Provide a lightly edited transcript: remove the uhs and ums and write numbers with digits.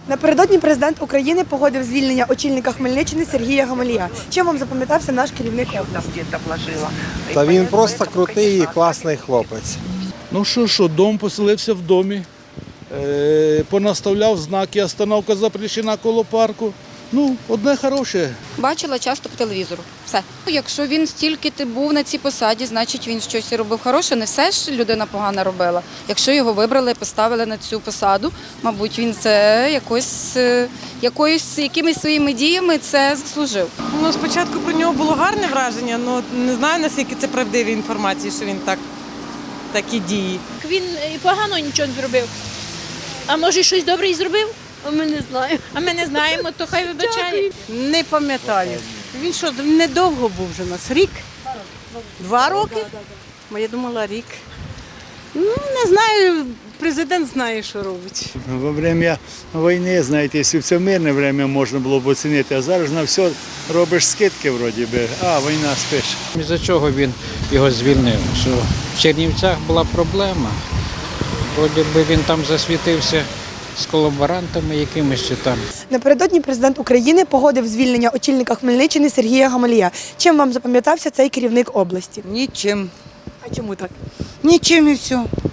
Напередодні президент України погодив звільнення очільника Хмельниччини Сергія Гамалія. Чим вам запам'ятався наш керівник області? Та він просто крутий і класний хлопець. Ну що, дом поселився в домі, понаставляв знаки, остановка запрещена коло парку. Ну, одне хороше. Бачила часто по телевізору. Все. Якщо він стільки був на цій посаді, значить він щось робив хороше. Не все ж людина погано робила. Якщо його вибрали, поставили на цю посаду, мабуть, він це якимись своїми діями це заслужив. Ну, спочатку про нього було гарне враження, але не знаю, наскільки це правдиві інформації, що він такі дії. Він і погано нічого не зробив. А може щось добре і зробив? А ми не знаємо. А ми не знаємо, то хай вибачає. Не пам'ятаю. Він що, недовго був вже у нас? Рік? 2 роки? Бо я думала, рік. Ну, не знаю, президент знає, що робить. Во время війни, знаєте, якщо в це мирне время можна було б оцінити, а зараз на все робиш скидки вроді би, а війна спиш. Із-за чого він його звільнив? Що в Чернівцях була проблема. Вроді би він там засвітився з колаборантами якимись чи там. Напередодні президент України погодив звільнення очільника Хмельниччини Сергія Гамалія. Чим вам запам'ятався цей керівник області? Нічим. А чому так? Нічим і все.